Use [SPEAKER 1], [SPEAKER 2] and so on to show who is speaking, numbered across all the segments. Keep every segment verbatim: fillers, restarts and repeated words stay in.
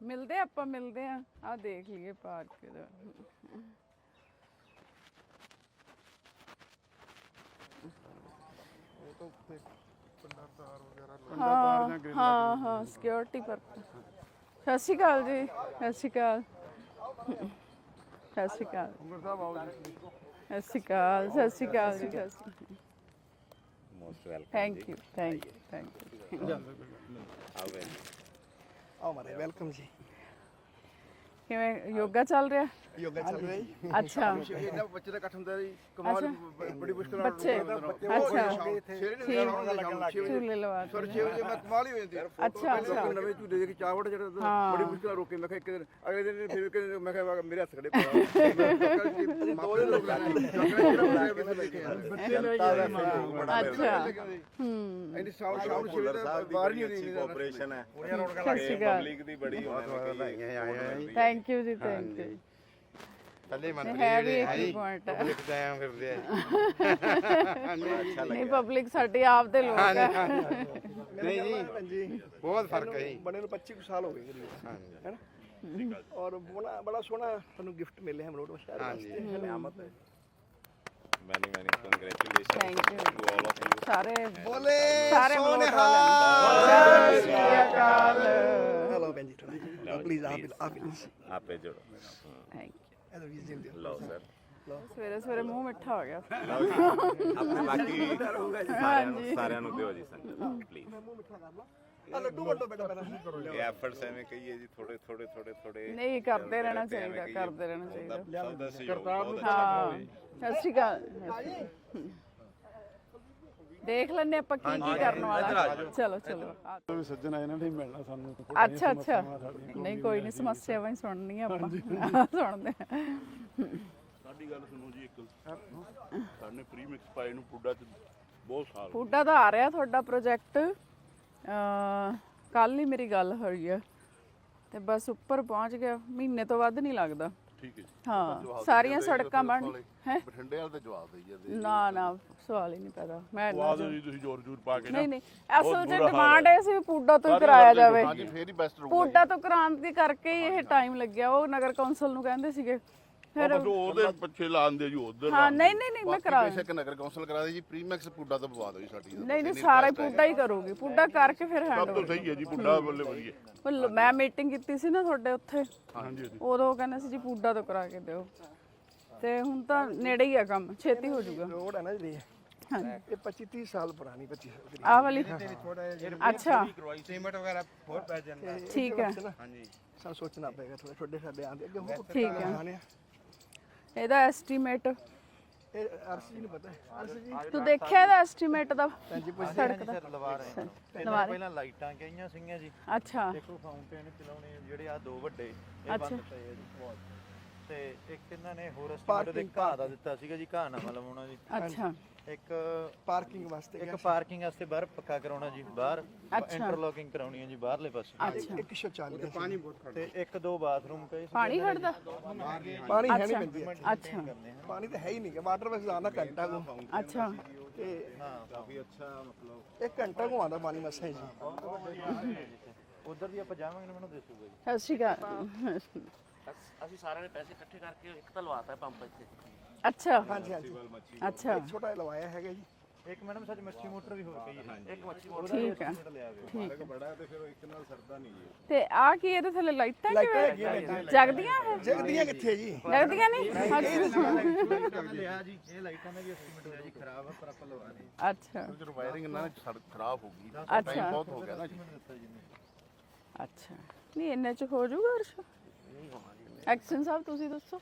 [SPEAKER 1] ਮਿਲਦੇ ਆਪਾਂ ਮਿਲਦੇ ਆ ਆ ਦੇਖ ਲਈਏ ਪਾਰਕ ਦਾ हाँ हाँ हाँ सिक्योरिटी पर सत श्री अकाल जी सत श्री अकाल सत श्री अकाल सत श्री अकाल सत श्री अकाल जी
[SPEAKER 2] most welcome
[SPEAKER 1] thank you thank you thank you
[SPEAKER 3] आओ मारे वेलकम जी
[SPEAKER 1] किवें योगा चल रहा
[SPEAKER 3] योगा चल रहा है
[SPEAKER 1] अच्छा
[SPEAKER 4] ਇਹਨਾਂ ਬੱਚੇ ਦਾ ਇਕੱਠ ਹੁੰਦਾ ਜੀ ਕਮਾਲ ਬੜੀ ਮੁਸ਼ਕਲ ਨਾਲ
[SPEAKER 1] बच्चे
[SPEAKER 4] ਅੱਛਾ
[SPEAKER 1] झूले लगा
[SPEAKER 4] ਸਰ ਛੇ ਵਜੇ ਮੈਂ ਕਮਾਲ ਹੀ ਹੋ ਜਾਂਦੀ
[SPEAKER 1] अच्छा अच्छा
[SPEAKER 4] ਨਵੇਂ ਝੂਲੇ ਦੇ ਕੇ ਚਾਵੜ ਜਿਹੜਾ ਬੜੀ ਮੁਸ਼ਕਲ ਨਾਲ ਰੋਕੇ ਮੈਂ ਕਿਹਾ ਇੱਕ ਦਿਨ ਅਗਲੇ ਦਿਨ ਫਿਰ ਕਿ ਮੈਂ ਕਿਹਾ ਮੇਰੇ ਹੱਥ ਖੜੇ ਪਾ ਦੋ ਦਿਨ ਰੋਕ
[SPEAKER 1] अच्छा हम्म
[SPEAKER 4] ਇੰਨੀ ਸਾਊਂਡ ਸਾਊਂਡ ਛੇ ਵਜੇ ਬਾਹਰ ਨਹੀਂ ਹੁੰਦੀ
[SPEAKER 2] ਕੋਆਪਰੇਸ਼ਨ ਹੈ
[SPEAKER 1] सत श्री अकाल
[SPEAKER 2] ਪਬਲਿਕ ਦੀ ਬੜੀ ਹੋਣੀ
[SPEAKER 1] थैंक यू जी थैंक यू
[SPEAKER 3] पहले
[SPEAKER 1] है भी एक पॉइंट है
[SPEAKER 3] पब्लिक जाया फिरदे
[SPEAKER 1] नहीं पब्लिक साडी आप दे लोग है
[SPEAKER 3] नहीं जी जी बहुत फर्क है
[SPEAKER 4] ਬਣੇ ਨੂੰ पच्चीस साल हो गए करीब है ना और बड़ा बड़ा सोना ਤੁਹਾਨੂੰ ਗਿਫਟ ਮਿਲੇ ਹਮ ਲੋਟ ਸ਼ਹਿਰ ਵਾਸਤੇ ਨਿਆਮਤ ਹੈ
[SPEAKER 2] many many congratulation
[SPEAKER 1] thank you
[SPEAKER 2] to all of you
[SPEAKER 1] सारे
[SPEAKER 4] ਬੋਲੇ
[SPEAKER 1] सारे मलोट वाले सत श्री अकाल
[SPEAKER 4] हेलो बेंजी थोड़ा प्लीज आप आप
[SPEAKER 2] ਆਪੇ ਜੋੜੋ
[SPEAKER 1] थैंक यू
[SPEAKER 4] ਇਹਦਾ ਵੀ ਜਿੰਦੇ
[SPEAKER 2] ਲਓ ਸਰ
[SPEAKER 1] ਸਵੇਰੇ ਸਵੇਰੇ ਮੂੰਹ ਮਿੱਠਾ ਹੋ ਗਿਆ
[SPEAKER 2] ਆਪਣੇ ਬਾਕੀ ਸਾਰਿਆਂ ਨੂੰ ਸਾਰਿਆਂ ਨੂੰ ਦਿਓ ਜੀ ਸੰਗਤ ਪਲੀਜ਼
[SPEAKER 4] ਆ ਲੱਡੂ ਵੰਡੋ ਬੇਟਾ ਪਹਿਲਾਂ
[SPEAKER 2] ਇਹ ਐਫਰਟਸ ਐਵੇਂ ਕਹੀਏ ਜੀ ਥੋੜੇ ਥੋੜੇ ਥੋੜੇ ਥੋੜੇ
[SPEAKER 1] ਨਹੀਂ ਕਰਦੇ ਰਹਿਣਾ ਚਾਹੀਦਾ ਕਰਦੇ ਰਹਿਣਾ ਚਾਹੀਦਾ
[SPEAKER 2] ਸਭ ਦਾ ਸਹਿਯੋਗ ਬਹੁਤ ਅੱਛਾ
[SPEAKER 1] ਹਾਂ ਸਤਿ ਸ਼੍ਰੀ ਅਕਾਲ ਦੇਖ ਲੈਣੇ ਆਪਾਂ ਕੀ ਕੀ ਕਰਨ ਵਾਲਾ ਚਲੋ ਚਲੋ
[SPEAKER 5] ਸੱਜਣ ਆਏ ਨੇ ਨਹੀਂ ਮਿਲਣਾ ਸਾਨੂੰ
[SPEAKER 1] ਅੱਛਾ ਅੱਛਾ ਨਹੀਂ ਕੋਈ ਨਹੀਂ ਸਮੱਸਿਆਵਾਂ ਹੀ ਸੁਣਨੀਆਂ ਆਪਾਂ ਸੁਣਦੇ
[SPEAKER 6] ਸਾਡੀ ਗੱਲ ਸੁਣੋ ਜੀ ਇੱਕ ਸਾਡੇ ਪ੍ਰੀ ਮਿਕਸ ਪਾਏ ਨੂੰ ਪੁੱਡਾ ਚ ਬਹੁਤ ਸਾਲ
[SPEAKER 1] ਪੁੱਡਾ ਦਾ ਆ ਰਿਹਾ ਤੁਹਾਡਾ ਪ੍ਰੋਜੈਕਟ ਕੱਲ ਹੀ ਮੇਰੀ ਗੱਲ ਹੋਈ ਆ ਤੇ ਬਸ ਉੱਪਰ ਪਹੁੰਚ ਗਿਆ ਮਹੀਨੇ ਤੋਂ ਵੱਧ ਨਹੀਂ ਲੱਗਦਾ
[SPEAKER 6] ਠੀਕ ਹੈ ਜੀ
[SPEAKER 1] ਹਾਂ ਸਾਰੀਆਂ ਸੜਕਾਂ ਬਣ ਹੈ
[SPEAKER 6] ਬਠਿੰਡੇ ਵਾਲ ਤੇ ਜਵਾਬ ਦੇਈ ਜਾਂਦੇ
[SPEAKER 1] ਨਾ ਨਾ ਸਵਾਲ ਹੀ ਨਹੀਂ ਪੈਦਾ ਮੈਂ
[SPEAKER 6] ਬਾਅਦ ਜੀ ਤੁਸੀਂ ਜ਼ੋਰ ਜ਼ੋਰ ਪਾ ਕੇ ਨਾ
[SPEAKER 1] ਨਹੀਂ ਨਹੀਂ ਅਸਲ ਚ ਡਿਮਾਂਡ ਹੈ ਸੀ ਪੁੱਡਾ ਤੋਂ ਹੀ ਕਰਾਇਆ ਜਾਵੇ
[SPEAKER 6] ਹਾਂਜੀ ਫੇਰ ਹੀ ਬੈਸਟ ਰਹੂਗਾ
[SPEAKER 1] ਪੁੱਡਾ ਤੋਂ ਕਰਾਉਣ ਦੇ ਕਰਕੇ ਹੀ ਇਹ ਟਾਈਮ ਲੱਗਿਆ ਉਹ ਨਗਰ ਕੌਂਸਲ ਨੂੰ ਕਹਿੰਦੇ ਸੀਗੇ ਫਿਰ
[SPEAKER 6] ਬਸ ਉਹਦੇ ਪਿੱਛੇ ਲਾਉਂਦੇ ਜੀ ਉਧਰ
[SPEAKER 1] ਹਾਂ ਨਹੀਂ ਨਹੀਂ ਨਹੀਂ ਮੈਂ ਕਰਾ
[SPEAKER 6] ਬੇਸ਼ੱਕ ਨਗਰ ਕੌਂਸਲ ਕਰਾ ਦੇ ਜੀ ਪ੍ਰੀਮੈਕਸ ਪੁੱਡਾ ਤੋਂ ਪਵਾ ਦਿਓ ਜੀ ਸਾਡੀ
[SPEAKER 1] ਨਹੀਂ ਨਹੀਂ ਸਾਰਾ ਹੀ ਪੁੱਡਾ ਹੀ ਕਰੂਗੀ ਪੁੱਡਾ ਕਰਕੇ ਫਿਰ ਹੈਂਡ
[SPEAKER 6] ਸਭ ਤੋਂ ਸਹੀ ਹੈ ਜੀ ਪੁੱਡਾ ਬੱਲੇ ਵਧੀਆ
[SPEAKER 1] ਮੈਂ ਮੀਟਿੰਗ ਕੀਤੀ ਸੀ ਨਾ ਤੁਹਾਡੇ ਉੱਥੇ
[SPEAKER 6] ਹਾਂਜੀ
[SPEAKER 1] ਉਦੋਂ ਕਹਿੰਦੇ ਸੀ ਜੀ ਪੁੱਡਾ ਤੋਂ ਕਰਾ ਕੇ ਦਿਓ ਤੇ ਹੁਣ ਤਾਂ ਨੇੜੇ ਹੀ ਆ ਕੰਮ ਛੇਤੀ ਹੋ ਜਾਊਗਾ
[SPEAKER 4] ਰੋਡ ਹੈ ਨਾ ਜਿਹੜੀ
[SPEAKER 1] ਹਾਂਜੀ
[SPEAKER 4] ਇਹ ਪੱਚੀ ਤੀਹ ਸਾਲ ਪੁਰਾਣੀ ਪੱਚੀ ਸਾਲ ਦੀ
[SPEAKER 1] ਆਹ ਵਾਲੀ ਅੱਛਾ
[SPEAKER 3] सीमेंट वगैरह बहुत पै जाता है
[SPEAKER 1] ਠੀਕ ਹੈ
[SPEAKER 3] हां जी
[SPEAKER 4] ਸਾਨੂੰ ਸੋਚਣਾ ਪਏਗਾ ਥੋੜਾ ਛੋਟੇ ਸਾਡੇ ਆਂਦੇ ਅੱਗੇ ਹੋਰ
[SPEAKER 1] ਠੀਕ ਹੈ
[SPEAKER 4] ਆਣੇ
[SPEAKER 1] ਇਹਦਾ ਐਸਟੀਮੇਟ
[SPEAKER 4] ਇਹ ਅਰਸੀ ਨੂੰ ਪਤਾ ਹੈ ਅਰਸੀ ਜੀ
[SPEAKER 1] ਤੂੰ ਦੇਖਿਆ ਇਹਦਾ ਐਸਟੀਮੇਟ ਦਾ ਸੜਕ ਦਾ
[SPEAKER 7] ਲਵਾ ਰਹੇ ਹਾਂ
[SPEAKER 1] ਲਵਾ ਰਹੇ
[SPEAKER 7] ਪਹਿਲਾਂ ਲਾਈਟਾਂ ਕਈਆਂ ਸੀਗੀਆਂ ਜੀ
[SPEAKER 1] ਅੱਛਾ
[SPEAKER 7] ਦੇਖੋ ਫਾਊਂਟੇਨ ਚਲਾਉਣੇ ਜਿਹੜੇ ਆ ਦੋ ਵੱਡੇ ਇਹ ਬੰਦ ਪਏ ਆ ਜੀ ਤੇ ਇੱਕ ਇਹਨਾਂ ਨੇ ਹੋਰ ਐਸਟੀਮੇਟ ਦੇ ਘਾਹ ਦਾ ਦਿੱਤਾ ਸੀਗਾ ਜੀ ਘਾਹ ਨਵਾਂ ਲਵਾਉਣਾ ਜੀ
[SPEAKER 1] ਅੱਛਾ
[SPEAKER 7] ਇੱਕ
[SPEAKER 4] ਪਾਰਕਿੰਗ ਵਾਸਤੇ
[SPEAKER 7] ਇੱਕ ਪਾਰਕਿੰਗ ਵਾਸਤੇ ਬਾਹਰ ਪੱਕਾ ਕਰਾਉਣਾ ਜੀ ਬਾਹਰ ਇੰਟਰਲੋਕਿੰਗ ਕਰਾਉਣੀ ਹੈ ਜੀ ਬਾਹਰਲੇ ਪਾਸੇ
[SPEAKER 1] ਅੱਛਾ
[SPEAKER 4] ਇੱਕ ਸੌ ਚਾਲੀ
[SPEAKER 3] पानी बहुत खड़ा
[SPEAKER 7] ਤੇ ਇੱਕ ਦੋ ਬਾਥਰੂਮ ਪਏ
[SPEAKER 1] ਪਾਣੀ ਖੜਦਾ
[SPEAKER 4] ਪਾਣੀ ਹੈ ਨਹੀਂ ਪੈਂਦੀ
[SPEAKER 1] ਅੱਛਾ
[SPEAKER 4] ਪਾਣੀ ਤਾਂ ਹੈ ਹੀ ਨਹੀਂ ਵਾਟਰ ਵੈਸੇ ਆਉਂਦਾ ਘੰਟਾ ਕੋ
[SPEAKER 1] ਅੱਛਾ
[SPEAKER 4] ਤੇ
[SPEAKER 7] ਹਾਂ
[SPEAKER 2] ਕਾਫੀ ਅੱਛਾ ਮਤਲਬ
[SPEAKER 4] ਇੱਕ ਘੰਟਾ ਕੋ ਆਉਂਦਾ ਪਾਣੀ ਮਸਾ ਜੀ
[SPEAKER 7] ਉਧਰ ਦੀ ਆਪਾਂ ਜਾਵਾਂਗੇ ਨਾ ਮੈਨੂੰ ਦੱਸੂਗਾ ਜੀ
[SPEAKER 1] ਸਤਿ ਸ਼੍ਰੀ ਅਕਾਲ
[SPEAKER 8] ਅਸੀਂ ਸਾਰਿਆਂ ਨੇ ਪੈਸੇ ਇਕੱਠੇ ਕਰਕੇ ਇੱਕ ਤਾਂ ਲਵਾਤਾ ਪੰਪ ਇੱਥੇ
[SPEAKER 1] ਅੱਛਾ
[SPEAKER 4] ਹਾਂਜੀ ਹਾਂਜੀ
[SPEAKER 1] ਅੱਛਾ
[SPEAKER 4] ਛੋਟਾ ਜਿਹਾ ਲਵਾਇਆ ਹੈਗਾ ਜੀ
[SPEAKER 7] ਇੱਕ ਮੈਡਮ ਸੱਚ ਮੱਛੀ ਮੋਟਰ ਵੀ ਹੋਰ ਪਈ ਹੈ
[SPEAKER 8] ਇੱਕ ਮੱਛੀ ਮੋਟਰ
[SPEAKER 1] ਠੀਕ ਹੈ
[SPEAKER 2] ਠੀਕ ਬੜਾ ਤੇ ਫਿਰ ਉਹ ਇੱਕ ਨਾਲ ਸਰਦਾ ਨਹੀਂ ਜੀ
[SPEAKER 1] ਤੇ ਆ ਕੀ ਇਹਦੇ ਥੱਲੇ ਲਾਈਟਾਂ ਕਿਵੇਂ ਜਗਦੀਆਂ ਇਹ?
[SPEAKER 4] ਜਗਦੀਆਂ ਕਿੱਥੇ ਜੀ
[SPEAKER 1] ਲੱਗਦੀਆਂ ਨਹੀਂ
[SPEAKER 7] ਲਿਆ ਜੀ ਇਹ ਲਾਈਟਾਂ ਦਾ ਵੀ ਐਸਟੀਮੇਟ ਹੋਇਆ ਜੀ ਖਰਾਬ ਆ ਪਰ ਆਪਾਂ ਲਵਾ ਰਹੇ
[SPEAKER 1] ਅੱਛਾ
[SPEAKER 6] ਜਦੋਂ ਵਾਇਰਿੰਗ ਇਹਨਾਂ ਨੇ ਸੜਕ ਖਰਾਬ ਹੋ ਗਈ
[SPEAKER 1] ਅੱਛਾ
[SPEAKER 6] ਟਾਈਮ ਬਹੁਤ ਹੋ ਗਿਆ ਨਾ ਜੀ
[SPEAKER 1] ਅੱਛਾ ਨਹੀਂ ਇੰਨੇ ਚ ਹੋ ਜਾਊਗਾ ਅਰਸ਼ ਐਕਸ਼ਨ ਸਾਹਿਬ ਤੁਸੀਂ ਦੱਸੋ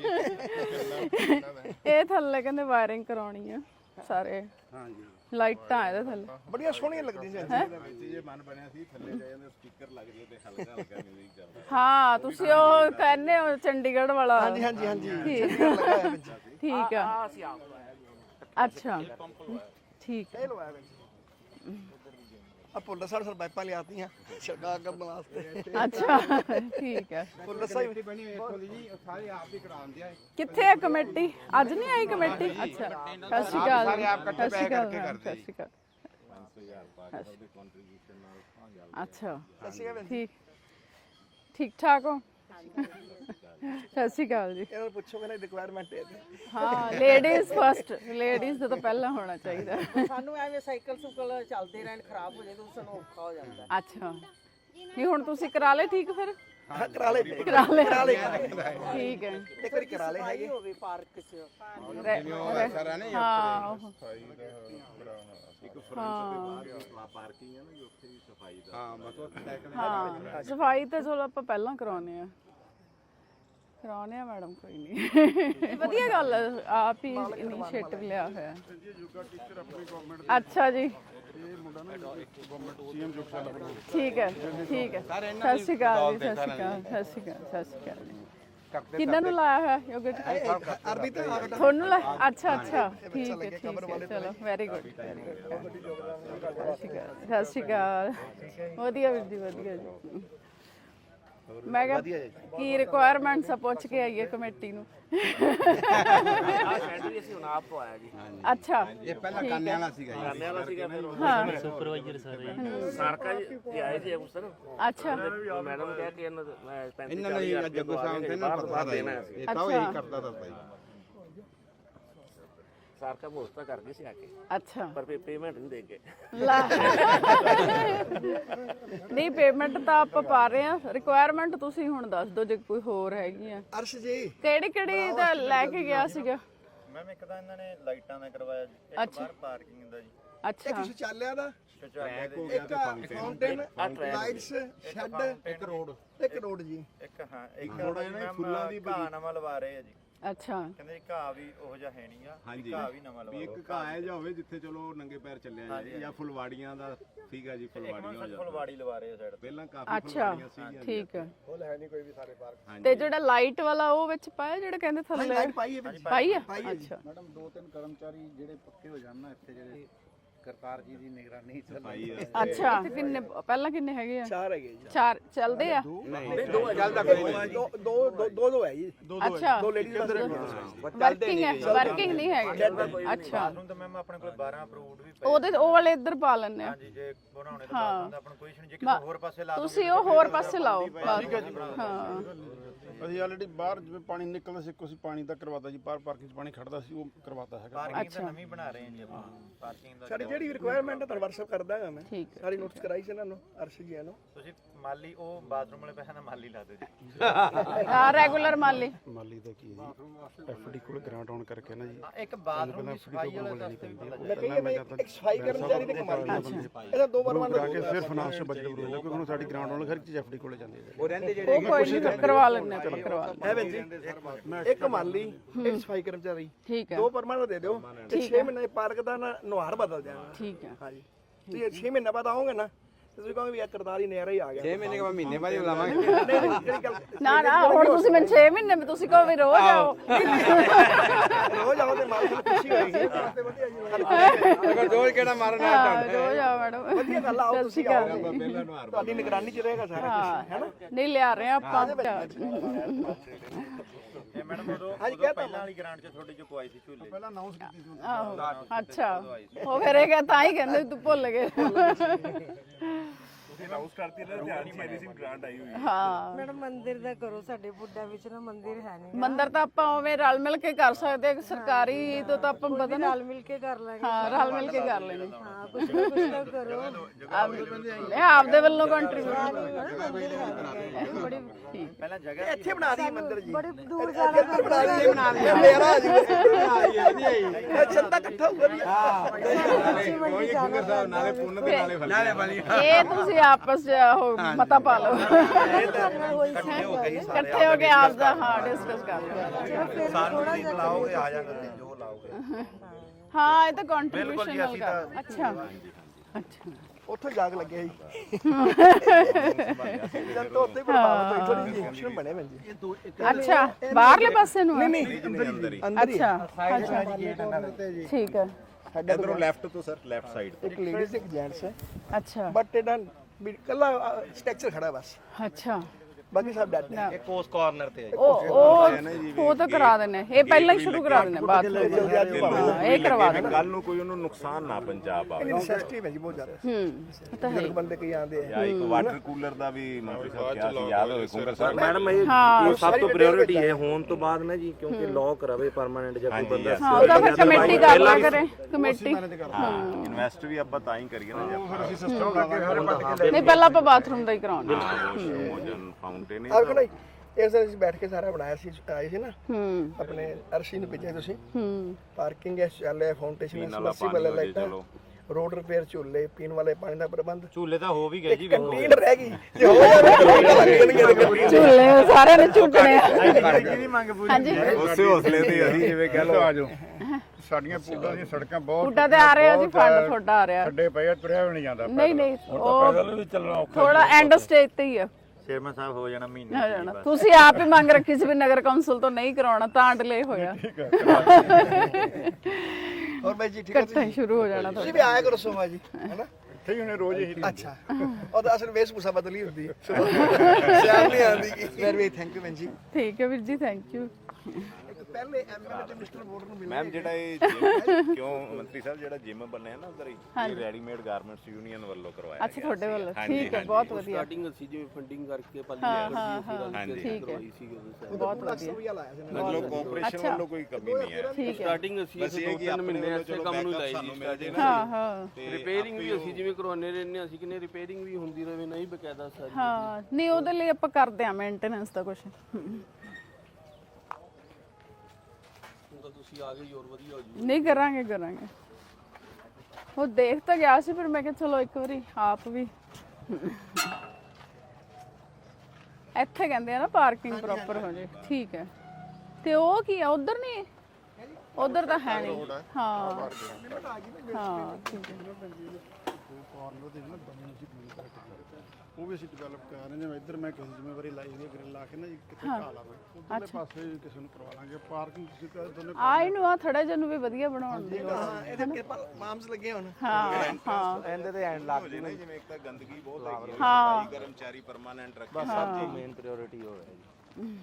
[SPEAKER 1] ਇਹ ਥੱਲੇ ਕਹਿੰਦੇ ਵਾਇਰਿੰਗ ਕਰਾਉਣੀ ਆ ਸਾਰੇ
[SPEAKER 6] ਹਾਂਜੀ
[SPEAKER 1] ਲਾਈਟਾਂ ਇਹਦੇ ਥੱਲੇ
[SPEAKER 4] ਬੜੀਆਂ ਸੋਹਣੀਆਂ ਲੱਗਦੀਆਂ ਜੀ
[SPEAKER 6] ਜੇ ਮਨ ਬਣਿਆ ਸੀ ਥੱਲੇ ਜਾ ਜਾਂਦੇ ਸਪੀਕਰ ਲੱਗ ਜੇ ਤੇ ਹਲਕਾ ਹਲਕਾ ਮਿਊਜ਼ਿਕ ਚੱਲਦਾ
[SPEAKER 1] ਹਾਂ ਤੁਸੀਂ ਉਹ ਕਹਿੰਦੇ ਹੋ ਚੰਡੀਗੜ੍ਹ ਵਾਲਾ
[SPEAKER 4] ਹਾਂਜੀ ਹਾਂਜੀ ਹਾਂਜੀ
[SPEAKER 1] ਠੀਕ
[SPEAKER 4] ਲਗਾਇਆ ਵਿੱਚ
[SPEAKER 1] ਠੀਕ ਆ
[SPEAKER 8] ਆ ਅਸੀਂ ਆਪ ਲਵਾਇਆ
[SPEAKER 1] ਅੱਛਾ ਠੀਕ ਹੈ
[SPEAKER 4] ਇਹ ਲਵਾਇਆ ਵਿੱਚ ਆ ਪੁੱਲਾ ਸਰ ਸਰ ਪਾਈਪਾਂ ਲਿਆਤੀਆਂ ਛੜਕਾ ਕਰਨ ਵਾਸਤੇ
[SPEAKER 1] ਅੱਛਾ ਠੀਕ ਹੈ
[SPEAKER 4] ਪੁੱਲਾ ਸਾਹਿਬ
[SPEAKER 3] बनी हुई है जी सारे आप ही कराते हैं
[SPEAKER 1] ਕਿੱਥੇ ਹੈ ਕਮੇਟੀ ਅੱਜ ਨਹੀਂ ਆਈ ਕਮੇਟੀ ਅੱਛਾ ਸਤਿ ਸ਼੍ਰੀ ਅਕਾਲ ਸਤਿ ਸ਼੍ਰੀ ਅਕਾਲ ਸਤਿ ਸ਼੍ਰੀ ਅਕਾਲ
[SPEAKER 2] ਪੰਜ ਸੌ ਹਜ਼ਾਰ ਪਾ ਕੇ ਉਹਦੇ ਕੰਟਰੀਬਿਊਸ਼ਨ ਨਾਲ
[SPEAKER 1] ਅੱਛਾ
[SPEAKER 4] ਅਸੀਂ
[SPEAKER 1] ਠੀਕ ਠੀਕ ਠਾਕ ਹੋ? ਸਤਿ ਸ਼੍ਰੀ ਅਕਾਲ ਜੀ।
[SPEAKER 4] ਇਹਨਾਂ ਨੂੰ ਪੁੱਛੋ ਕਹਿੰਦੇ ਰਿਕੁਆਇਰਮੈਂਟ ਹੈ ਤੇ
[SPEAKER 1] ਹਾਂ ਲੇਡੀਜ਼ ਫਸਟ, ਲੇਡੀਜ਼ ਦਾ ਤਾਂ ਪਹਿਲਾਂ ਹੋਣਾ ਚਾਹੀਦਾ।
[SPEAKER 5] ਸਾਨੂੰ ਐਵੇਂ ਸਾਈਕਲ ਸੁਕਲ ਚੱਲਦੇ ਰਹਿਣ ਖਰਾਬ ਹੋ ਜਾਏ ਤਾਂ ਸਾਨੂੰ ਔਖਾ ਹੋ ਜਾਂਦਾ।
[SPEAKER 1] ਅੱਛਾ ਨਹੀਂ ਹੁਣ ਤੁਸੀਂ ਕਰਾ ਲਏ ਠੀਕ ਫਿਰ?
[SPEAKER 4] ਹਾਂ ਕਰਾ ਲੈ
[SPEAKER 1] ਕਰਾ ਲਏ ਠੀਕ ਹੈ।
[SPEAKER 4] ਇੱਕ ਵਾਰੀ ਕਰਾ ਲੈ ਹੈਗੇ
[SPEAKER 5] ਹੋਵੇ ਪਾਰਕ 'ਚ
[SPEAKER 3] ਸਾਰਾ ਨਹੀਂ
[SPEAKER 1] ਹਾਂ ਉਹ-
[SPEAKER 2] ਇੱਕ ਫਰੰਟ ਤੇ ਬਾਹਰ ਪਾਰਕਿੰਗ ਹੈ ਨਾ ਜੀ, ਉੱਥੇ ਵੀ ਸਫਾਈ ਦਾ
[SPEAKER 3] ਹਾਂ ਬਸ ਉਹ ਸਾਈਕਲ
[SPEAKER 1] ਹਾਂ ਸਫਾਈ ਤਾਂ ਚਲੋ ਆਪਾਂ ਪਹਿਲਾਂ ਕਰਾਉਨੇ ਆ ਕਰਾਉਨੇ ਆ ਮੈਡਮ ਕੋਈ ਨਹੀਂ। ਵਧੀਆ ਗੱਲ ਹੈ ਆਪ ਹੀ ਇਨੀਸ਼ੀਏਟਿਵ ਲਿਆ ਹੋਇਆ। ਅੱਛਾ ਜੀ ਠੀਕ ਹੈ ਠੀਕ ਹੈ। ਸਤਿ ਸ਼੍ਰੀ ਅਕਾਲ ਜੀ। ਸਤਿ ਸ਼੍ਰੀ ਅਕਾਲ ਸਤਿ ਸ਼੍ਰੀ ਅਕਾਲ ਸਤਿ ਸ਼੍ਰੀ ਅਕਾਲ ਜੀ। ਕਿਹਨਾਂ ਨੂੰ ਲਾਇਆ ਹੋਇਆ ਯੋਗਾ
[SPEAKER 4] ਅਰਬੀ ਤਾਂ ਆ
[SPEAKER 1] ਤੁਹਾਨੂੰ ਲਾ ਅੱਛਾ ਅੱਛਾ ਠੀਕ ਹੈ ਠੀਕ ਹੈ ਚਲੋ ਵੈਰੀ ਗੁੱਡ ਵੈਰੀ ਗੁੱਡ। ਸਤਿ ਸ਼੍ਰੀ ਅਕਾਲ ਸਤਿ ਸ਼੍ਰੀ ਅਕਾਲ ਵਧੀਆ ਵੀਰ ਜੀ ਵਧੀਆ ਜੀ। ਮੈਂ ਕਿਹਾ ਕੀ ਰਿਕੁਆਇਰਮੈਂਟਸ ਆ ਪੁੱਛ ਕੇ ਆਈਏ ਕਮੇਟੀ ਨੂੰ।
[SPEAKER 8] ਆਹ ਸ਼ੈਡ ਵੀ ਅਸੀਂ ਹੁਣ ਆਪ ਪਵਾਇਆ ਜੀ।
[SPEAKER 1] ਅੱਛਾ
[SPEAKER 3] ਇਹ ਪਹਿਲਾਂ ਕਾਨੇ ਵਾਲਾ ਸੀਗਾ ਜੀ।
[SPEAKER 8] ਕਰਨੇ ਵਾਲਾ ਸੀਗਾ ਫਿਰ
[SPEAKER 1] ਹਾਂ
[SPEAKER 8] ਸੁਪਰਵਾਈਜ਼ਰ ਸਰ ਸਾਰਕਾ ਜੀ ਆਏ ਸੀ ਉਸ ਦਿਨ।
[SPEAKER 1] ਅੱਛਾ
[SPEAKER 8] ਮੈਡਮ ਕਹਿ ਕੇ ਇਹਨਾਂ ਦੇ- ਮੈਂ ਪੈਂਤੀ
[SPEAKER 3] ਇਹਨਾਂ
[SPEAKER 8] ਚਾਲੀ
[SPEAKER 3] ਨੇ
[SPEAKER 8] ਹਜ਼ਾਰ
[SPEAKER 3] ਜੱਗੂ ਸਾਹਿਬ ਤੇ ਨਾ ਪਤਾ
[SPEAKER 8] ਦੇਣਾ ਸੀ।
[SPEAKER 3] ਇਹ ਤਾਂ ਉਹ ਇਹੀ ਕਰਦਾ ਤਾ ਭਾਈ।
[SPEAKER 8] ਸਾਰਕਾ ਮੋਸਤਾ ਕਰ ਗਈ ਸੀ ਆ ਕੇ
[SPEAKER 1] ਅੱਛਾ
[SPEAKER 8] ਪਰ ਪੇਮੈਂਟ ਨਹੀਂ ਦੇ ਕੇ।
[SPEAKER 1] ਲਾ ਨਹੀਂ ਪੇਮੈਂਟ ਤਾਂ ਆਪਾਂ ਪਾ ਰਹੇ ਆ। ਰਿਕੁਆਇਰਮੈਂਟ ਤੁਸੀਂ ਹੁਣ ਦੱਸ ਦਿਓ ਜੇ ਕੋਈ ਹੋਰ ਹੈਗੀ ਆ।
[SPEAKER 4] ਅਰਸ਼ ਜੀ
[SPEAKER 1] ਕਿਹੜੀ ਕਿਹੜੀ ਦਾ ਲੈ ਕੇ ਗਿਆ ਸੀਗਾ?
[SPEAKER 7] ਮੈਮ ਇੱਕ ਤਾਂ ਇਹਨਾਂ ਨੇ ਲਾਈਟਾਂ ਦਾ ਕਰਵਾਇਆ ਜੀ, ਇੱਕ ਬਾਹਰ ਪਾਰਕਿੰਗ ਦਾ ਜੀ,
[SPEAKER 1] ਅੱਛਾ
[SPEAKER 4] ਤੁਸੀਂ ਚੱਲਿਆ ਦਾ
[SPEAKER 7] ਸ਼ੌਚਾਲਿਆ ਦੇ
[SPEAKER 4] ਇੱਕ ਫਾਊਂਟੇਨ ਲਾਈਟਸ ਸ਼ੈੱਡ ਇੱਕ ਰੋਡ ਇੱਕ ਰੋਡ ਜੀ
[SPEAKER 7] ਇੱਕ ਹਾਂ ਇੱਕ ਫੁੱਲਾਂ ਦੀ ਘਾਹ ਨਵਾਂ ਲਵਾ ਰਹੇ ਆ ਜੀ।
[SPEAKER 1] ਅੱਛਾ
[SPEAKER 7] ਕਹਿੰਦੇ ਜੀ ਘਾਹ ਵੀ ਉਹ ਜਿਹਾ ਹੈ ਨਹੀਂਗਾ,
[SPEAKER 2] ਹਾਂਜੀ।
[SPEAKER 7] ਘਾਹ ਵੀ ਨਵਾਂ ਲਵਾ
[SPEAKER 2] ਵੀ ਇੱਕ ਘਾਹ ਹੈ ਜਾਂ ਹੋਵੇ ਜਿੱਥੇ ਚਲੋ ਨੰਗੇ ਪੈਰ ਚੱਲਿਆ ਜਾਏ ਜਾਂ ਫੁਲਵਾੜੀਆਂ ਦਾ ਠੀਕ ਹੈ ਜੀ ਫੁਲਵਾੜੀਆਂ ਹੋ ਜਾਂਦਾ।
[SPEAKER 7] ਫੁਲਵਾੜੀ ਲਵਾ ਰਹੇ ਆ ਸਾਈਡ ਤੇ।
[SPEAKER 2] ਪਹਿਲਾਂ ਕਾਫੀ
[SPEAKER 1] ਅੱਛਾ
[SPEAKER 2] ਫੁਲਵਾੜੀਆਂ ਸੀਗੀਆਂ।
[SPEAKER 1] ਠੀਕ ਹੈ।
[SPEAKER 4] ਫੁੱਲ ਹੈ ਨਹੀਂ ਕੋਈ ਵੀ ਸਾਰੇ ਪਾਰਕ
[SPEAKER 1] ਤੇ ਜਿਹੜਾ ਲਾਈਟ ਵਾਲਾ ਉਹ ਵਿੱਚ ਪਾਇਆ ਜਿਹੜਾ ਕਹਿੰਦੇ ਥੱਲੇ
[SPEAKER 4] ਲਾਈਟ ਪਾਈ ਹੈ ਵਿੱਚ
[SPEAKER 1] ਪਾਈ ਆ ਅੱਛਾ
[SPEAKER 9] ਮੈਡਮ ਦੋ ਤਿੰਨ ਕਰਮਚਾਰੀ ਜਿਹੜੇ ਪੱਕੇ ਹੋ ਜਾਣ ਨਾ ਇੱਥੇ ਜਿਹੜੇ ਕਰਤਾਰ ਜੀ ਦੀ ਨਿਗਰਾਨੀ
[SPEAKER 2] ਸਫਾਈ ਦਾ
[SPEAKER 1] ਅੱਛਾ ਕਿੰਨੇ ਪਹਿਲਾਂ ਕਿੰਨੇ ਹੈਗੇ ਆ?
[SPEAKER 4] ਚਾਰ ਹੈਗੇ ਜੀ
[SPEAKER 1] ਚਾਰ ਚੱਲਦੇ ਆ
[SPEAKER 4] ਨਹੀਂ ਦੋ ਚੱਲਦਾ ਕੋਈ ਨਹੀਂ ਦੋ ਦੋ ਦੋ ਦੋ ਹੈ ਜੀ
[SPEAKER 1] ਅੱਛਾ
[SPEAKER 4] ਦੋ ਲੇਡੀਜ਼ ਅੰਦਰ
[SPEAKER 1] ਵਰਕਿੰਗ ਹੈ ਵਰਕਿੰਗ ਨਹੀਂ ਹੈਗੇ ਅੱਛਾ
[SPEAKER 7] ਬਾਥਰੂਮ ਤਾਂ ਮੈਮ ਆਪਣੇ ਕੋਲ ਬਾਰਾਂ ਅਪਰੂਵਡ ਵੀ ਪਏ।
[SPEAKER 1] ਉਹਦੇ ਉਹ ਵਾਲੇ ਇੱਧਰ ਪਾ ਲੈਣੇ ਆ।
[SPEAKER 7] ਹਾਂਜੀ ਜੇ ਬਣਾਉਣੇ ਤਾਂ ਬਾਥਰੂਮ ਦਾ ਆਪਣਾ ਕੋਈ ਇਸ਼ੂ ਨਹੀਂ, ਜੇ ਕਿਸੇ ਹੋਰ ਪਾਸੇ ਲਾ
[SPEAKER 1] ਤੁਸੀਂ ਉਹ ਹੋਰ ਪਾਸੇ ਲਾਓ ਹਾਂ
[SPEAKER 9] ਅਸੀਂ ਆਲਰੇਡੀ ਬਾਹਰ ਜਿਵੇਂ ਪਾਣੀ ਨਿਕਲਦਾ ਸੀ ਕੁਝ ਪਾਣੀ ਦਾ ਕਰਵਾਤਾ ਜੀ, ਬਾਹਰ ਪਾਰਕਿੰਗ 'ਚ ਪਾਣੀ ਖੜਦਾ ਸੀ ਉਹ ਕਰਵਾਤਾ ਹੈਗਾ।
[SPEAKER 7] ਪਾਰਕਿੰਗ ਤਾਂ ਨਵੀਂ ਬਣਾ ਰਹੇ ਹਾਂ ਜੀ ਆਪਾਂ ਪਾਰਕਿੰਗ ਦਾ।
[SPEAKER 4] ਸਾਡੀ ਜਿਹੜੀ ਰਿਕੁਆਇਰਮੈਂਟ ਹੈ ਤੁਹਾਨੂੰ WhatsApp ਕਰਦਾ ਹਾਂ ਮੈਂ
[SPEAKER 1] ਠੀਕ ਹੈ
[SPEAKER 4] ਸਾਰੀ ਨੋਟਿਸ ਕਰਾਈ ਸੀ ਇਹਨਾਂ ਨੂੰ ਅਰਸ਼ ਜੀ ਨੂੰ।
[SPEAKER 7] ਤੁਸੀਂ ਮਾਲੀ ਉਹ ਬਾਥਰੂਮ ਵਾਲੇ ਪੈਸੇ ਦਾ ਮਾਲੀ ਲਾ ਦਿਓ ਜੀ।
[SPEAKER 1] ਆ ਰੈਗੂਲਰ ਮਾਲੀ
[SPEAKER 9] ਮਾਲੀ ਦਾ ਕੀ ਹੈ ਜੀ ਐਫਡੀ ਕੋਲ ਗ੍ਰਾਂਟ ਆਨ ਕਰਕੇ ਨਾ ਜੀ
[SPEAKER 7] ਇੱਕ ਬਾਥਰੂਮ ਦੀ ਸਫਾਈ ਵਾਲਾ ਰਸਤੇ ਪਤਾ
[SPEAKER 4] ਮੈਂ ਕਹੀਏ ਮੈਂ ਇੱਕ ਸਫਾਈ ਕਰਮਚਾਰੀ ਤੇ ਕਮਾਲ ਇਹਦਾ ਦੋ ਵਾਰ
[SPEAKER 9] ਕਰਾ ਕੇ ਫਿਰ ਫਾਈਨਾਂਸ 'ਚ ਬਜਟ ਬਰੂ ਕਿਉਂਕਿ ਹੁਣ ਸਾਡੀ ਗ੍ਰਾਂਟ ਵਾਲੇ ਹਰ ਚੀਜ਼ ਐਫਡੀ ਕੋਲੇ ਜਾਂਦੀ ਹੈ।
[SPEAKER 4] ਉਹ ਰਹਿੰਦੇ
[SPEAKER 1] ਉਹ ਕੋਈ ਨਹੀਂ ਕਰਵਾ ਲੈਣੇ ਆਪਾਂ ਕਰਵਾ ਲੈਂਦੇ।
[SPEAKER 4] ਹੈ ਭੈਣ ਜੀ ਇੱਕ ਮਾਲੀ ਇੱਕ ਸਫਾਈ ਕਰਮਚਾਰੀ
[SPEAKER 1] ਠੀਕ ਹੈ
[SPEAKER 4] ਦੋ ਪਰਮਾਨੈਂਟ ਦੇ ਦਿਓ ਤੇ ਛੇ ਮਹੀਨੇ ਪਾਰਕ ਦਾ ਨਾ ਨੁਹਾਰ ਬਦਲ ਜਾਣਾ।
[SPEAKER 1] ਠੀਕ ਹੈ
[SPEAKER 4] ਹਾਂਜੀ ਤੁਸੀਂ ਛੇ ਮਹੀਨੇ ਬਾਅਦ ਆਓਗੇ ਨਾ ਤੇ ਤੁਸੀਂ ਕਹੋਗੇ ਵੀ ਇਹ ਕਰਤਾਰ ਹੀ ਨਿਆਰਾ ਹੀ ਆ ਗਿਆ।
[SPEAKER 3] ਛੇ ਮਹੀਨੇ ਕੇ ਬਾਅਦ ਮਹੀਨੇ ਬਾਅਦ ਹੀ ਬੁਲਾਵਾਂਗੇ।
[SPEAKER 4] ਨਹੀਂ ਨਹੀਂ ਜਿਹੜੀ ਗੱਲ
[SPEAKER 1] ਨਾ ਨਾ ਹੁਣ ਤੁਸੀਂ ਮੈਨੂੰ ਛੇ ਮਹੀਨੇ ਵਿੱਚ ਤੁਸੀਂ ਕਹੋ ਵੀ ਰੋਜ਼ ਆਓ
[SPEAKER 4] ਰੋਜ਼ ਆਓ ਤੇ ਮਾਲਕ ਨੂੰ ਖੁਸ਼ੀ ਹੋਏਗੀ। ਵਾਸਤੇ ਵਧੀਆ ਜੀ
[SPEAKER 3] ਅਗਰ ਜੋਰ ਕਿਹੜਾ ਮਾਰਨਾ
[SPEAKER 1] ਹਾਂ ਰੋਜ਼ ਆਓ ਮੈਡਮ
[SPEAKER 4] ਵਧੀਆ ਗੱਲ ਆਓ ਤੁਸੀਂ ਆਓ
[SPEAKER 2] ਪਹਿਲਾਂ ਨੁਹਾਰ
[SPEAKER 4] ਤੁਹਾਡੀ ਨਿਗਰਾਨੀ 'ਚ ਰਹੇਗਾ ਸਾਰਾ
[SPEAKER 1] ਹਾਂ
[SPEAKER 4] ਕੁਝ ਹੈਨਾ।
[SPEAKER 1] ਨਹੀਂ ਲਿਆ ਰਹੇ ਆਪਾਂ
[SPEAKER 7] ਇਹ ਮੈਡਮ ਉਦੋਂ ਉਦੋਂ ਪਹਿਲਾਂ ਵਾਲੀ ਗ੍ਰਾਂਟ 'ਚ ਤੁਹਾਡੇ ਜੋ ਪਵਾਈ ਸੀ ਝੂਲੇ
[SPEAKER 9] ਪਹਿਲਾਂ ਅਨਾਉਂਸ ਕੀਤੀ ਸੀ
[SPEAKER 1] ਆਹੋ ਅੱਛਾ ਉਹ ਫਿਰ ਇਹ ਕਹਿੰਦਾ ਤਾਂ ਹੀ ਕਹਿੰਦੇ ਤੂੰ ਭੁੱਲ ਗਏ
[SPEAKER 6] ਤੁਸੀਂ ਅਨਾਉਂਸ ਕਰਤੀ ਨਾ ਧਿਆਨ ਚ ਐਨੀ ਸੀ ਗ੍ਰਾਂਟ ਆਈ ਹੋਈ।
[SPEAKER 1] ਹਾਂ
[SPEAKER 5] ਮੈਡਮ ਮੰਦਿਰ ਦਾ ਕਰੋ, ਸਾਡੇ ਬੁੱਢਾ ਵਿੱਚ ਨਾ ਮੰਦਿਰ ਹੈ ਨਹੀਂ।
[SPEAKER 1] ਮੰਦਰ ਤਾਂ ਆਪਾਂ ਉਵੇਂ ਰਲ ਮਿਲ ਕੇ ਕਰ ਸਕਦੇ ਹਾਂ, ਸਰਕਾਰੀ ਤੋਂ ਤਾਂ ਆਪਾਂ ਪਤਾ ਨਾ
[SPEAKER 5] ਰਲ ਮਿਲ ਕੇ ਕਰ ਲਾਂਗੇ।
[SPEAKER 1] ਹਾਂ ਰਲ ਮਿਲ ਕੇ ਕਰ ਲੈਣੇ
[SPEAKER 5] ਹਾਂ ਕੁਝ ਨਾ ਕੁਝ ਤਾਂ ਕਰੋ।
[SPEAKER 1] ਇਹ ਆਪਦੇ ਵੱਲੋਂ ਕੰਟਰੀਬਿਊਟ ਬੜੀ ਠੀਕ
[SPEAKER 7] ਪਹਿਲਾਂ ਜਗ੍ਹਾ
[SPEAKER 4] ਇੱਥੇ ਬਣਾ ਦਈਏ ਮੰਦਿਰ ਜੀ
[SPEAKER 5] ਬੜੇ ਦੂਰ ਜਾਣਾ
[SPEAKER 4] ਇੱਥੇ ਬਣਾ ਦਈਏ ਬਣਾ ਦਈਏ ਮੇਰਾ ਆ ਜੀ ਇਹ ਚੰਦਾ ਇਕੱਠਾ ਹੋਊਗਾ ਜੀ।
[SPEAKER 2] ਕੋਈ ਫਿੰਗਰ ਸਾਹਿਬ ਨਾਲੇ ਪੁੰਨ ਤੇ ਨਾਲੇ ਫਲ ਨਾਲੇ ਵਾਲੀ
[SPEAKER 1] ਇਹ ਤੁਸੀਂ ਆਪਸ ਚ ਉਹ ਮਤਾ ਪਾ ਲਓ
[SPEAKER 7] ਇਕੱਠੇ ਹੋ ਕੇ ਹੀ ਸਾਰੇ
[SPEAKER 1] ਇਕੱਠੇ ਹੋ ਕੇ ਆਪ ਦਾ ਹਾਂ ਡਿਸਕਸ ਕਰ ਲਓ
[SPEAKER 7] ਸਾਨੂੰ ਵੀ ਲਾਓਗੇ ਆ ਜਾਣਗੇ ਜੋ ਲਾਓਗੇ।
[SPEAKER 1] ਹਾਂ ਇਹ ਤਾਂ ਕੰਟਰੀਬਿਊਸ਼ਨ ਨਾਲ ਕਰ ਅੱਛਾ ਅੱਛਾ
[SPEAKER 4] ਉੱਥੇ ਜਾਗ ਲੱਗਿਆ ਜੀ ਜਦ ਤੋਂ ਉੱਥੇ ਪ੍ਰਭਾਵਿਤ ਹੋਈ ਥੋੜੀ ਜਿਹੀ ਆਪਸ਼ਨ ਬਣੇ ਮੈਂ ਜੀ
[SPEAKER 1] ਅੱਛਾ ਬਾਹਰਲੇ ਪਾਸੇ ਨੂੰ
[SPEAKER 4] ਨਹੀਂ ਨਹੀਂ
[SPEAKER 2] ਅੰਦਰ ਹੀ
[SPEAKER 1] ਅੱਛਾ ਠੀਕ ਹੈ
[SPEAKER 2] ਇਧਰੋਂ ਲੈਫਟ ਤੋਂ ਸਰ ਲੈਫਟ ਸਾਈਡ
[SPEAKER 4] ਇੱਕ ਲੇਡੀਜ਼ ਇੱਕ ਜੈਂਟਸ ਹੈ
[SPEAKER 1] ਅੱਛਾ
[SPEAKER 4] ਬਟ ਇਹਦਾ ਵੀ ਕੱਲਾ ਸਟ੍ਰਕਚਰ ਖੜਾ ਬਸ।
[SPEAKER 1] ਅੱਛਾ
[SPEAKER 4] ਬਾਕੀ ਸਭ ਡੈਡ ਹੈ।
[SPEAKER 7] ਇੱਕ ਉਸ ਕਾਰਨਰ ਤੇ ਹੈ ਜੀ।
[SPEAKER 1] ਉਹ ਉਹ ਉਹ ਤਾਂ ਕਰਾ ਦਿੰਦੇ ਇਹ ਪਹਿਲਾਂ ਹੀ ਸ਼ੁਰੂ ਕਰਾ ਦਿੰਦੇ ਬਾਅਦ ਹਾਂ ਇਹ ਕਰਵਾ ਦਿੰਦੇ
[SPEAKER 2] ਕੱਲ ਨੂੰ ਕੋਈ ਉਹਨੂੰ ਨੁਕਸਾਨ ਨਾ ਪੰਜਾਬ ਆਵੇ
[SPEAKER 4] ਨੈਸੈਸਿਟੀ ਹੈ ਜੀ ਬਹੁਤ ਜ਼ਿਆਦਾ
[SPEAKER 1] ਹੂੰ ਉਹ ਤਾਂ ਹੈ ਹੀ।
[SPEAKER 4] ਬੰਦੇ ਕਈ ਆਉਂਦੇ ਆ
[SPEAKER 2] ਜਾਂ ਇੱਕ ਵਾਟਰ ਕੂਲਰ ਦਾ ਵੀ ਮੰਤਰੀ ਸਾਹਿਬ ਕਿਹਾ ਸੀ ਯਾਦ ਹੋਵੇ ਕੁੰਗਰ ਸਾਹਿਬ
[SPEAKER 7] ਮੈਡਮ ਇਹ
[SPEAKER 1] ਹਾਂ
[SPEAKER 7] ਸਭ ਤੋਂ ਪ੍ਰਾਇੋਰਟੀ ਹੈ ਹੋਣ ਤੋਂ ਬਾਅਦ ਨਾ ਜੀ ਕਿਉਂਕਿ ਲੋਕ ਰਵੇ ਪਰਮਾਨੈਂਟ ਜਾਂ ਕੋਈ ਬੰਦਾ
[SPEAKER 1] ਹਾਂ ਉਹਦਾ ਫਿਰ ਕਮੇਟੀ ਕਰ ਲਿਆ ਕਰੇ ਕਮੇਟੀ
[SPEAKER 2] ਇਨਵੈਸਟ ਵੀ ਆਪਾਂ ਤਾਂ ਹੀ ਕਰੀਏ ਨਾ ਜੇ ਆਪਾਂ
[SPEAKER 9] ਅਸੀਂ ਸਿਸਟਮ ਲਾ ਕੇ ਹਰ ਬੰਦੇ
[SPEAKER 1] ਨਹੀਂ ਪਹਿਲਾਂ ਆਪਾਂ ਬਾਥਰੂਮ ਦਾ ਹੀ ਕਰਾਉਣਾ
[SPEAKER 2] ਵਾਸ਼ਰੂਮ ਫਾਊਂਟੇਨ
[SPEAKER 4] ਆਹ ਕਿ ਨਹੀਂ ਇਸ ਤਰ੍ਹਾਂ ਅਸੀਂ ਬੈਠ ਕੇ ਸਾਰਾ ਬਣਾਇਆ ਸੀ ਆਏ ਸੀ ਨਾ
[SPEAKER 1] ਹੂੰ
[SPEAKER 4] ਆਪਣੇ ਅਰਸ਼ੀ ਨੂੰ ਭੇਜਿਆ ਤੁਸੀਂ
[SPEAKER 1] ਹੂੰ
[SPEAKER 4] ਪਾਰਕਿੰਗ ਐ ਚੱਲਿਆ ਫਾਊਂਡੇਸ਼ਨ ਸਮਰਸੀਬਲ ਲਾਈਟਾਂ ਰੋਡ ਰਿਪੇਅਰ ਝੂਲੇ ਪੀਣ ਵਾਲੇ ਪਾਣੀ ਦਾ ਪ੍ਰਬੰਧ
[SPEAKER 7] ਝੂਲੇ ਤਾਂ ਹੋ ਵੀ ਗਏ ਜੀ
[SPEAKER 4] ਕੰਟੀਨ ਰਹਿ ਗਈ ਜੇ ਹੋ ਜਾਵੇ ਤਾਂ ਲੱਗ ਜਾਣਗੇ
[SPEAKER 1] ਝੂਲੇ ਸਾਰਿਆਂ ਨੇ ਝੂਟਣੇ ਆ
[SPEAKER 7] ਕਿਹਦੀ ਮੰਗ ਪੂਰੀ
[SPEAKER 1] ਹਾਂਜੀ
[SPEAKER 2] ਉਸੇ ਹੌਸਲੇ ਤੇ ਅਸੀਂ ਜਿਵੇਂ ਕਹਿ ਲਓ
[SPEAKER 9] ਆ ਜਾਓ ਸਾਡੀਆਂ ਪੂਡਾਂ ਦੀਆਂ ਸੜਕਾਂ ਬਹੁਤ
[SPEAKER 1] ਬੂਟਾ ਤੇ ਆ ਰਿਹਾ ਜੀ ਫੰਡ ਤੁਹਾਡਾ ਆ ਰਿਹਾ
[SPEAKER 9] ਖੱਡੇ ਪਏ ਆ, ਤੁਰਿਆ ਵੀ ਨਹੀਂ ਜਾਂਦਾ
[SPEAKER 1] ਨਹੀਂ ਨਹੀਂ ਉਹ ਥੋੜਾ ਐਂਡ ਸਟੇਜ ਤੇ ਹੀ ਆ
[SPEAKER 7] ਚੇਅਰਮੈਨ ਸਾਹਿਬ ਹੋ ਜਾਣਾ ਮਹੀਨੇ
[SPEAKER 1] ਹੋ ਜਾਣਾ ਤੁਸੀਂ ਆਪ ਹੀ ਮੰਗ ਰੱਖੀ ਸੀ ਵੀ ਨਗਰ ਕੌਂਸਲ ਤੋਂ ਨਹੀਂ ਕਰਾਉਣਾ ਤਾਂ ਡਿਲੇ ਹੋਇਆ
[SPEAKER 4] ਹੋਰ ਬਾਈ ਜੀ ਠੀਕ ਹੈ
[SPEAKER 1] ਇਕੱਠਾ ਹੀ ਸ਼ੁਰੂ ਹੋ ਜਾਣਾ
[SPEAKER 4] ਤੁਸੀਂ ਵੀ ਆਇਆ ਕਰੋ ਸੋਮਾ ਜੀ ਹੈਨਾ
[SPEAKER 9] ਇੱਥੇ ਹੀ ਹੁਣੇ ਰੋਜ਼ ਹੀ
[SPEAKER 4] ਅੱਛਾ ਉਹ ਤਾਂ ਅਸਲ ਵੇਸ ਭੂਸਾ ਬਦਲੀ ਹੁੰਦੀ ਹੈ ਸ਼ਾਮ ਨਹੀਂ ਆਉਂਦੀ ਵੈਰੀ ਵੈਰੀ ਥੈਂਕ ਯੂ ਜੀ
[SPEAKER 1] ਠੀਕ ਹੈ ਵੀਰ ਜੀ ਥੈਂਕ ਯੂ
[SPEAKER 4] ਇੱਕ ਪਹਿਲੇ ਐਮਐਲਏ ਤੇ ਮਿਸਟਰ ਬੋਰਡ ਨੂੰ ਮਿਲਣਾ
[SPEAKER 2] ਮੈਮ ਜਿਹੜਾ ਇਹ gym- ਕਿਉਂ ਮੰਤਰੀ ਸਾਹਿਬ ਜਿਹੜਾ ਜਿਮ ਬਣਿਆ ਨਾ ਉਧਰ ਹੀ ਇਹ ਰੈਡੀਮੇਡ ਗਾਰਮੈਂਟਸ ਯੂਨੀਅਨ ਵੱਲੋਂ ਕਰਵਾਇਆ
[SPEAKER 1] ਅੱਛਾ ਤੁਹਾਡੇ ਵੱਲੋਂ ਠੀਕ ਹੈ ਬਹੁਤ ਵਧੀਆ
[SPEAKER 5] ਸਟਾਰਟਿੰਗ ਅਸੀਂ ਜਿਵੇਂ ਫੰਡਿੰਗ ਕਰਕੇ ਪਾਲੀ
[SPEAKER 1] ਹਾਂ ਹਾਂ ਹਾਂ
[SPEAKER 2] ਹਾਂਜੀ
[SPEAKER 1] ਠੀਕ ਹੈ
[SPEAKER 5] ਸੀ
[SPEAKER 1] ਬਹੁਤ ਵਧੀਆ
[SPEAKER 4] ਵੀ ਲਾਇਆ ਸੀ
[SPEAKER 2] ਮਤਲਬ ਕੋਆਪਰੇਸ਼ਨ ਵੱਲੋਂ ਕੋਈ ਕਮੀ ਨਹੀਂ ਹੈ
[SPEAKER 1] ਠੀਕ ਹੈ
[SPEAKER 5] ਸਟਾਰਟਿੰਗ ਅਸੀਂ
[SPEAKER 2] ਬਸ ਇਹ ਕਿ ਆਪਣੇ ਵੱਲੋਂ ਚਲੋ ਕੰਮ ਨੂੰ ਲਾਈ
[SPEAKER 5] ਸਾਨੂੰ
[SPEAKER 2] ਮਿਲ ਜੇ ਨਾ
[SPEAKER 1] ਹਾਂ ਹਾਂ
[SPEAKER 2] ਤੇ
[SPEAKER 5] ਰਿਪੇਅਰਿੰਗ ਵੀ ਅਸੀਂ ਜਿਵੇਂ ਕਰਵਾਉਂਦੇ ਰਹਿੰਦੇ ਹਾਂ, ਅਸੀਂ ਕਿਨੇ ਰਿਪੇਅਰਿੰਗ ਵੀ ਹੁੰਦੀ ਰਹੇ ਨਹੀਂ ਬਕਾਇਦਾ ਸਾਰੀ
[SPEAKER 1] ਹਾਂ ਨਹੀਂ ਉਹਦੇ ਲਈ ਆਪਾਂ ਕਰਦੇ ਆ ਮੇਨਟੇਨੈਂਸ ਦਾ ਕੁਝ
[SPEAKER 5] ਤਾਂ ਤੁਸੀਂ ਆ ਗਏ ਹੋਰ ਵਧੀਆ ਹੋ ਜੀ
[SPEAKER 1] ਨਹੀਂ ਕਰਾਂਗੇ ਕਰਾਂਗੇ ਉਹ ਦੇਖ ਤਾਂ ਗਿਆ ਸੀ ਫਿਰ ਮੈਂ ਕਿਹਾ ਚਲੋ ਇੱਕ ਵਾਰੀ ਆਪ ਵੀ ਇੱਥੇ ਕਹਿੰਦੇ ਆ ਨਾ ਪਾਰਕਿੰਗ ਪ੍ਰੋਪਰ ਹੋ ਜੇ ਠੀਕ ਹੈ ਤੇ ਉਹ ਕੀ ਆ ਉਧਰ ਨਹੀਂ ਉਧਰ ਤਾਂ ਹੈ ਨਹੀਂ ਹਾਂ ਹਾਂ ਠੀਕ ਹੈ
[SPEAKER 9] ਕਾਰਨਰ ਦੇ ਨਾ ਬਣੀ ਸੀ ਪੂਰੀ ਤਰ੍ਹਾਂ ਉਹ ਵੀ ਅਸੀਂ ਡਿਵੈਲਪ ਕਰ ਰਹੇ ਹਾਂ ਇੱਧਰ ਮੈਂ ਕਿਸੇ ਜ਼ਿੰਮੇਵਾਰੀ ਲਾਈ ਹੋਈ ਹੈ ਗ੍ਰਿਲ ਲਾ ਕੇ ਨਾ ਜੀ ਕਿਤੇ ਢਾਹ ਲਾਵਾਂ ਉਧਰਲੇ ਪਾਸੇ ਵੀ ਕਿਸੇ ਨੂੰ ਕਰਵਾ ਲਾਂਗੇ ਪਾਰਕਿੰਗ ਤੁਸੀਂ ਕਰ ਦੋਨੇ
[SPEAKER 1] ਆ ਇਹਨੂੰ ਆ ਥੜਾ ਜਿਹਾ ਨੂੰ ਵੀ ਵਧੀਆ ਬਣਾਉਣ ਦੀ ਲੋੜ
[SPEAKER 4] ਹਾਂ ਇਹਦੇ ਕਿਰਪਾ ਮਾਮਸ ਲੱਗੇ ਹੁਣ
[SPEAKER 1] ਹਾਂ ਹਾਂ
[SPEAKER 7] ਐਂਡ ਤੇ ਐਂਡ ਲੱਗ
[SPEAKER 2] ਜਿਵੇਂ ਇੱਕ ਤਾਂ ਗੰਦਗੀ ਬਹੁਤ ਹੈਗੀ ਹੈ
[SPEAKER 1] ਹਾਂ
[SPEAKER 2] ਸਫਾਈ ਕਰਮਚਾਰੀ ਪਰਮਾਨੈਂਟ ਰੱਖੇ
[SPEAKER 7] ਸਭ ਤੋਂ ਮੇਨ ਪ੍ਰਾਇੋਰਟੀ ਹੋ ਰਿਹਾ ਜੀ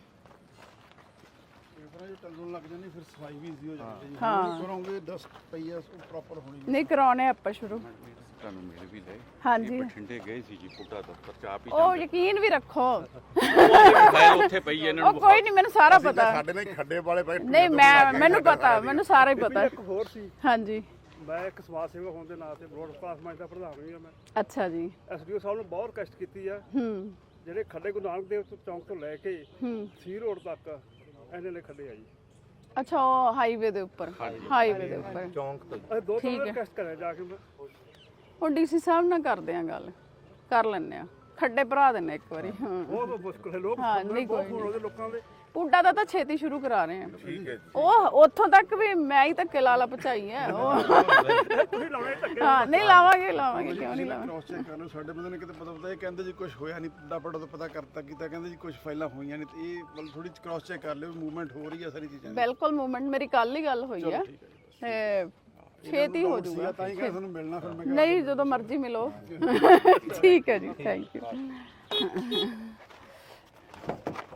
[SPEAKER 9] ਜੇ ਟੰਗਣ ਲੱਗ ਜਾਂਦੀ ਫਿਰ ਸਫਾਈ ਵੀ ਈਜ਼ੀ ਹੋ ਜਾਂਦੀ ਹੈ ਹਾਂ ਕਰੋਗੇ ਡਸਟ ਪਈ ਆ ਉਹ ਪ੍ਰੋਪਰ ਹੋਣੀ
[SPEAKER 1] ਨਹੀਂ ਕਰਾਉਣੇ ਆਪਾਂ ਸ਼ੁਰੂ
[SPEAKER 6] ਤੁਹਾਨੂੰ ਮੇਰੇ ਵੀ ਲੈ
[SPEAKER 1] ਹਾਂਜੀ
[SPEAKER 6] ਬਠਿੰਡੇ ਗਏ ਸੀ ਜੀ ਪੁੱਟਾ ਦਫ਼ਤਰ ਚਾਹ ਪੀ
[SPEAKER 1] ਉਹ ਯਕੀਨ ਵੀ ਰੱਖੋ
[SPEAKER 6] ਫਾਈਲ ਉੱਥੇ ਪਈ ਹੈ ਇਹਨਾਂ
[SPEAKER 1] ਉਹ ਕੋਈ ਨਹੀਂ ਮੈਨੂੰ ਸਾਰਾ ਪਤਾ
[SPEAKER 9] ਸਾਡੇ ਨਾਲ ਖੱਡੇ ਵਾਲੇ ਪਏ
[SPEAKER 1] ਨਹੀਂ ਮੈਂ ਮੈਨੂੰ ਪਤਾ ਮੈਨੂੰ ਸਾਰਾ ਹੀ ਪਤਾ
[SPEAKER 9] ਇੱਕ ਹੋਰ ਸੀ
[SPEAKER 1] ਹਾਂਜੀ
[SPEAKER 9] ਮੈਂ ਇੱਕ ਸਮਾਜ ਸੇਵਕ ਹੋਣ ਦੇ ਨਾਤੇ ਬ੍ਰੌਡਕਾਸਟ ਮੰਚ ਦਾ ਪ੍ਰਧਾਨ ਵੀ ਹਾਂ ਮੈਂ
[SPEAKER 1] ਅੱਛਾ ਜੀ
[SPEAKER 9] ਐਸਡੀਓ ਸਾਹਿਬ ਨੂੰ ਬਹੁਤ ਰਿਕਵੈਸਟ ਕੀਤੀ ਆ
[SPEAKER 1] ਹੂੰ
[SPEAKER 9] ਜਿਹੜੇ ਖੱਡੇ ਗੁਰੂ ਨਾਨਕ ਦੇਵ ਚੌਂਕ ਤੋਂ ਲੈ ਕੇ
[SPEAKER 1] ਹੂੰ
[SPEAKER 9] ਸੀ ਰੋਡ ਤੱਕ ਇਹਨੇ ਨੇ ਖੱਡੇ ਆ ਜੀ
[SPEAKER 1] ਅੱਛਾ ਉਹ ਹਾਈਵੇ ਦੇ ਉੱਪਰ ਹਾਈਵੇ ਦੇ ਉੱਪਰ
[SPEAKER 7] ਚੌਂਕ ਤੋਂ
[SPEAKER 9] ਅਸੀਂ ਦੋ ਤਿੰਨ ਰਿਕਵੈਸਟ ਕਰਿਆ ਜਾ ਕੇ ਮੈਂ
[SPEAKER 1] ਉਹ ਡੀਸੀ ਸਾਹਿਬ ਨਾਲ ਕਰਦੇ ਆ ਗੱਲ ਕਰ ਲੈਣੇ ਆ ਖੱਡੇ ਭਰਾ ਦਿੰਨੇ ਇੱਕ ਵਾਰੀ ਹਾਂ
[SPEAKER 9] ਬਹੁਤ ਮੁਸ਼ਕਲ ਹੈ ਲੋਕ
[SPEAKER 1] ਹਾਂ ਨਹੀਂ ਕੋਈ
[SPEAKER 9] ਫੋਨ ਉਹਦੇ ਲੋਕਾਂ ਦੇ
[SPEAKER 1] ਪੁੱਡਾ ਦਾ ਤਾਂ ਛੇਤੀ ਸ਼ੁਰੂ ਕਰਾ ਰਹੇ ਆ ਉਹ ਉੱਥੋਂ ਤੱਕ ਵੀ ਮੈਂ ਹੀ ਧੱਕੇ ਲਾਲਾ ਪਹੁੰਚਾਈ ਹੈ ਉਹ
[SPEAKER 9] ਤੁਸੀਂ ਲਾਉਣੇ ਧੱਕੇ
[SPEAKER 1] ਹਾਂ ਨਹੀਂ ਲਾਵਾਂਗੇ ਲਾਵਾਂਗੇ ਕਿਉਂ ਨਹੀਂ ਲਾਵਾਂਗੇ
[SPEAKER 9] ਕ੍ਰੋਸ ਚੈੱਕ ਕਰ ਲਓ ਸਾਡੇ ਬੰਦੇ ਨੇ ਕਿਤੇ ਪਤਾ ਪਤਾ ਇਹ ਕਹਿੰਦੇ ਜੀ ਕੁਝ ਹੋਇਆ ਨਹੀਂ ਪੁੱਡਾ ਪੜਾ ਤੋਂ ਪਤਾ ਕਰਤਾ ਕੀਤਾ ਕਹਿੰਦੇ ਜੀ ਕੁਝ ਫਾਈਲਾਂ ਹੋਈਆਂ ਨੇ ਤੇ ਇਹ ਮਤਲਬ ਥੋੜੀ ਕ੍ਰੋਸ ਚੈੱਕ ਕਰ ਲਿਓ ਮੂਵਮੈਂਟ ਹੋ ਰਹੀ ਹੈ ਸਾਰੀ ਚੀਜ਼ਾਂ ਦੀ।
[SPEAKER 1] ਬਿਲਕੁਲ ਮੂਵਮੈਂਟ ਮੇਰੀ ਕੱਲ ਹੀ ਗੱਲ ਹੋਈ ਆ ਤੇ ਛੇਤੀ ਹੋ ਜਾਊਗਾ
[SPEAKER 9] ਤਾਂ ਹੀ ਕਹਿੰਦਾ ਤੁਹਾਨੂੰ ਮਿਲਣਾ ਫਿਰ ਮੈਂ
[SPEAKER 1] ਨਹੀਂ ਜਦੋਂ ਮਰਜ਼ੀ ਮਿਲੋ ਠੀਕ ਹੈ ਜੀ ਥੈਂਕ ਯੂ